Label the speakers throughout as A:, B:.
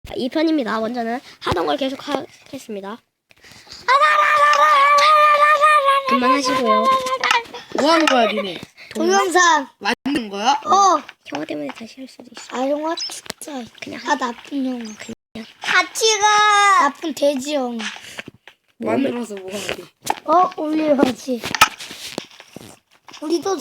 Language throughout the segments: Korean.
A: 2편입니다. 먼저는 하던 걸 계속 하겠습니다. 그만하시고요.
B: 뭐 하는 거야, 니네?
C: 동영상.
B: 만든 거야?
A: 형아 때문에 다시 할 수도 있어.
C: 아, 영화 진짜.
A: 그냥
C: 나쁜 영화.
D: 같이 가.
C: 나쁜 돼지 영화.
B: 만들어서 뭐 하게?
C: 올려야지. 우리도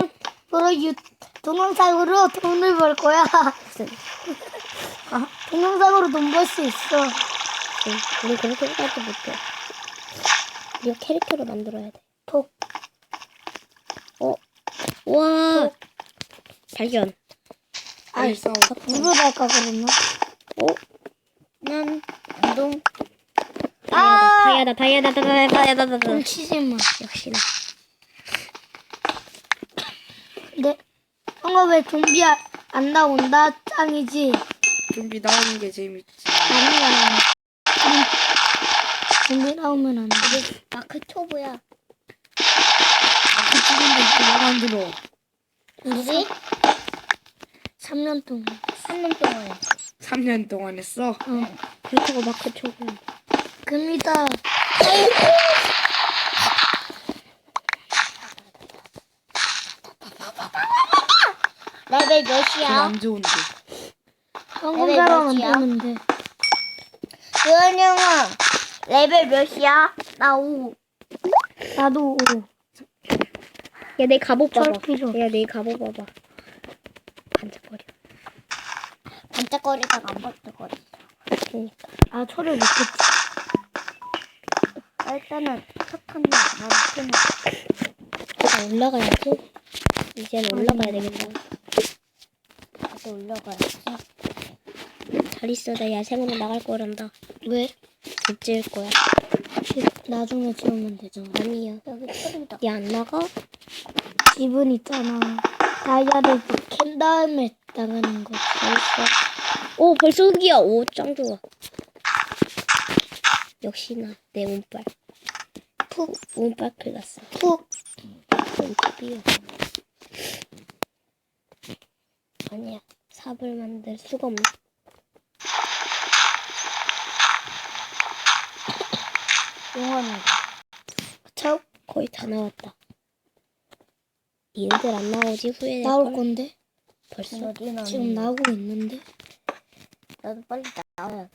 C: 동영상으로 돈을 벌 거야. 동영상으로 돈 벌 수 있어.
A: 우리 그렇게까지 못해. 우리가 캐릭터를 만들어야 돼. 우와. 발견.
B: 빨리 싸워.
C: 물을 할까 그러면?
A: 난 운동. 다이아다.
C: 돈 치지 마.
A: 역시나.
C: 근데 형아 왜 좀비 안 나온다? 짱이지.
B: 좀비 나오는 게 재밌지.
C: 아니야. 좀비 나오면 안 돼.
D: 마크 초보야.
B: 그 찍은데 이거 만들어.
D: 우리
C: 3년 동안.
D: 3년 동안.
B: 3년 동안 했어?
A: 그렇다고 마크 초보.
C: 금이다.
D: 레벨
B: 그건
D: 몇이야?
B: 안 좋은데.
C: 한국 사람 안
D: 몇이야?
C: 되는데.
D: 유한 형아, 레벨 몇이야? 나 5.
C: 나도
A: 야, 내 갑옷 봐봐.
C: 쩔 필요.
A: 야, 내 갑옷 봐봐. 반짝거려.
D: 반짝거리다가 안 반짝거리.
C: 철을 못했지.
D: 일단은 석탄도 안 쓰는.
A: 올라가야지. 이제는 올라가야 되겠다.
D: 나도 올려가야지.
A: 잘 있어. 나 야생으로 나갈 거란다.
C: 왜?
A: 집 지을 거야.
C: 나중에 지으면 되잖아.
A: 아니야.
D: 여기 소리다.
A: 야, 안 나가?
C: 집은 있잖아. 다이아를 캔 다음에 나가는 거.
A: 잘했어. 오, 벌써 흙이야. 오, 짱 좋아. 역시나 내 운빨. 운빨 클났어. 운빨이야. 아니야. 삽을 만들 수가 없네.
D: 용원이.
C: 차
A: 거의 다 나왔다. 니네들 안 나오지? 후회될걸?
C: 나올 건데?
A: 벌써?
C: 지금 나오고 있는데?
D: 나도 빨리 나와야 돼.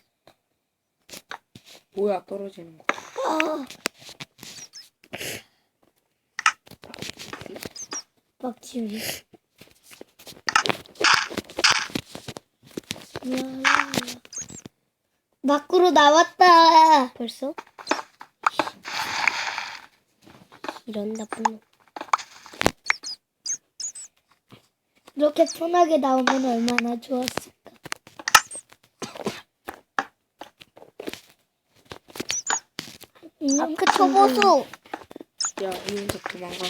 B: 뭐야, 떨어지는 거.
C: 막 지우기. 밖으로 나왔다.
A: 벌써? 이런 나쁜 놈.
C: 이렇게 편하게 나오면 얼마나 좋았을까.
D: 마크 초보수.
B: 야, 이 혼자 도망가.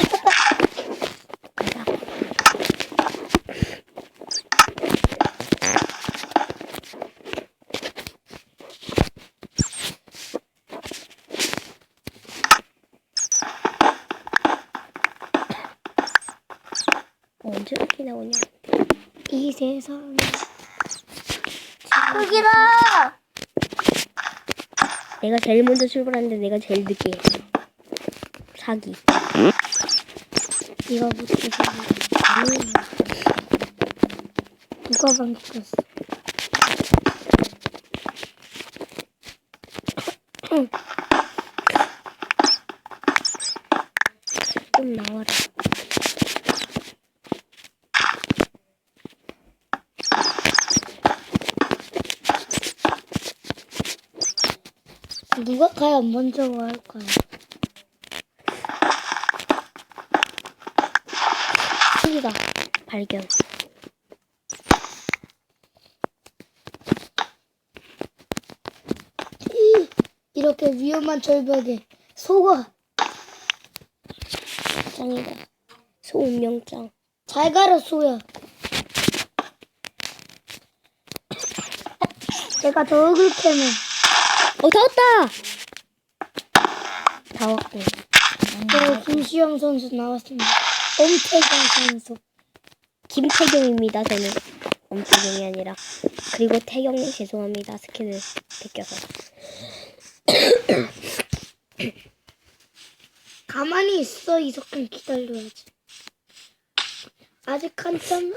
A: 언제 이렇게 나오냐?
C: 이 세상에.
D: 흙이라.
A: 내가 제일 먼저 출발하는데 내가 제일 늦게 했어. 사기.
C: 네가 못해서. 누가 방귀꼈어?
A: 좀 나와라.
C: 누가 과연 먼저 할까요?
A: 크기가 발견.
C: 이렇게 위험한 절벽에 소가
A: 짱이다. 소운명짱.
C: 잘 가라 소야. 내가 더 흙을 캐면
A: 다 왔다! 다 왔고.
C: 김시영 선수 나왔습니다. 엄태경 선수.
A: 김태경입니다, 저는. 엄태경이 아니라. 그리고 태경님 죄송합니다. 스킨을 벗겨서.
C: 가만히 있어. 이석근 기다려야지. 아직 한참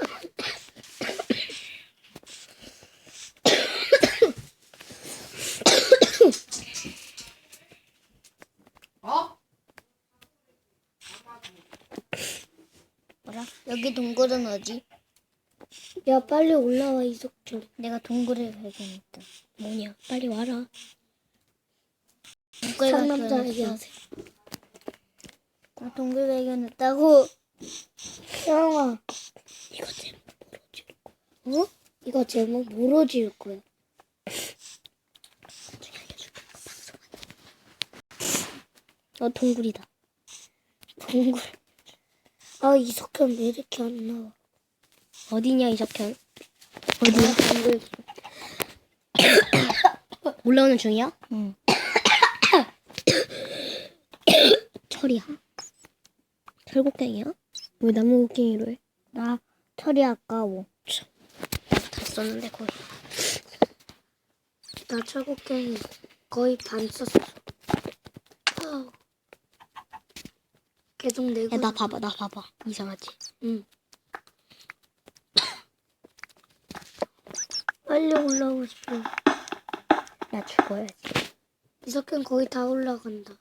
D: 뭐라? 여기 동굴은 어디?
C: 야 빨리 올라와 이석준.
D: 내가 동굴을 발견했다.
A: 뭐냐? 빨리 와라.
D: 동굴
C: 상남자
D: 발견했어.
C: 얘기하세요.
D: 나 동굴 발견했다고.
C: 형아,
A: 이거 제목 뭐로 지을 거야?
C: 어? 이거 제목 뭐로 지을 거야?
A: 나중에 알려줄게. 방송하다. 동굴이다.
C: 동굴. 아 이석현 왜 이렇게 안 나와?
A: 어디냐 이석현? 어디야?
D: 동굴.
A: 올라오는 중이야?
D: 응.
A: 철이야. 철곡갱이야? 왜 나무 곡갱이로 해?
D: 나 철이 아까워.
A: 다 썼는데 거의.
C: 나 철곡갱이 거의 반 썼어. 아우. 계속 내고.
A: 야 나 봐봐 나 봐봐. 이상하지?
C: 응. 빨리 올라오고 싶어.
A: 야 죽어야지.
C: 이석현 거의 다 올라간다.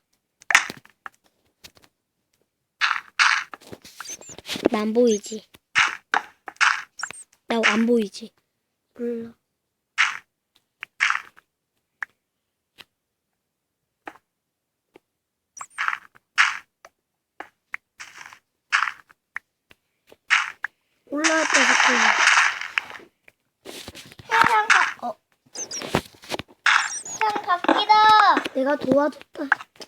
A: 나 안 보이지? 나 안 보이지?
C: 몰라. 올라왔다 석현.
D: 형 바뀌다.
C: 내가 도와줬다.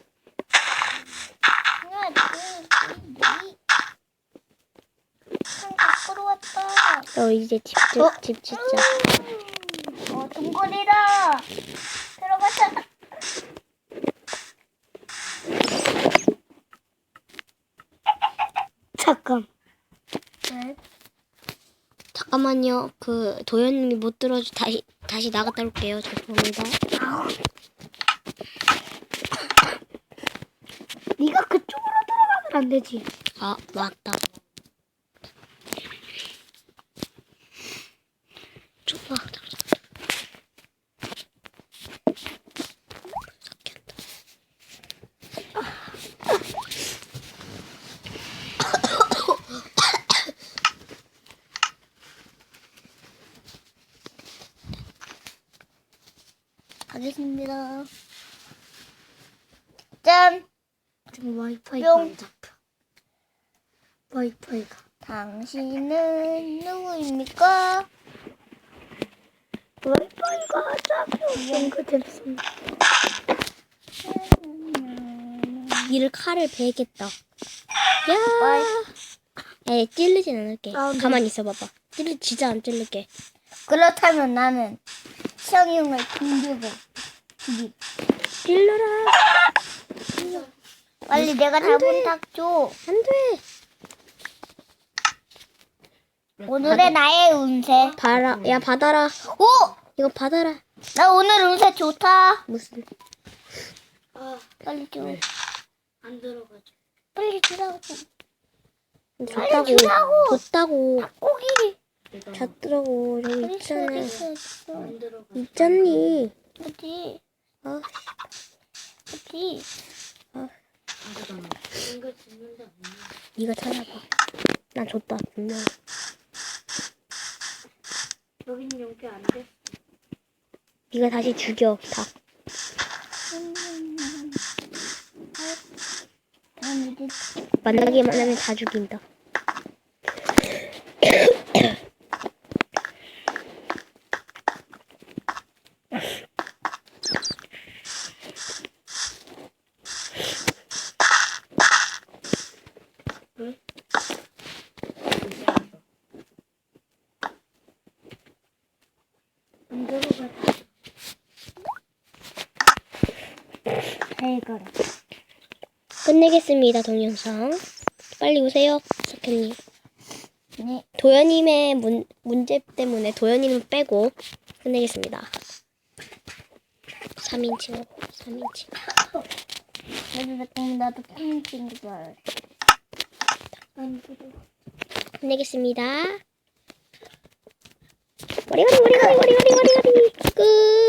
D: 형 밖으로 왔다.
A: 너 이제 집 짓자.
D: 동굴이다. 들어가자.
C: 잠깐.
D: 네.
A: 잠깐만요. 그 도현님이 못 들어줘. 다시 나갔다 올게요. 죄송합니다.
C: 네가 그쪽으로 들어가면 안 되지.
A: 아 맞다. 좁아.
D: 가겠습니다. 짠.
C: 지금 와이파이가 안 잡혀. 와이파이가.
D: 당신은 누구입니까?
C: 와이파이가 안 잡혀. 연결됐습니다.
A: 이를 칼을 베겠다. 야. 에 찔르진 않을게.
C: 아, 네.
A: 가만히 있어 봐봐. 진짜 안 찔를게.
D: 그렇다면 나는 시영이 형을 빙기고
A: 찔러라.
D: 빨리 내가 잡은 닭 줘.
A: 안 돼.
D: 오늘의 나의 운세.
A: 봐라. 야 받아라.
D: 오!
A: 이거 받아라.
D: 나 오늘 운세 좋다.
A: 무슨?
C: 아,
D: 빨리 줘.
C: 안 들어가죠.
D: 빨리 주라고.
A: 줬다고.
D: 주라고.
A: 줬다고.
D: 고기.
A: 줬더라고. 저기
D: 어디 있어?
A: 있잖아.
D: 어디 있어? 어디 있어?
C: 안 들어가.
A: 있잖니.
D: 어디?
A: 아,
D: 어디?
C: 연결 됐는데 없네.
A: 네가 찾아봐. 난 줬다. 분명.
C: 여기는 연결 안 돼.
A: 네가 다시 죽여. 닭.
D: 난 이제
A: 만나기만 하면 다 죽인다.
C: 안 들어가.
D: 잘 가라.
A: 끝내겠습니다. 동영상. 빨리 오세요. 석현님.
D: 네.
A: 도현님의 문제 때문에 도현님은 빼고 끝내겠습니다. 3인칭으로 3인칭.
D: 나도 팬인 줄 알았어.
A: 끝내겠습니다. 머리가리 끝.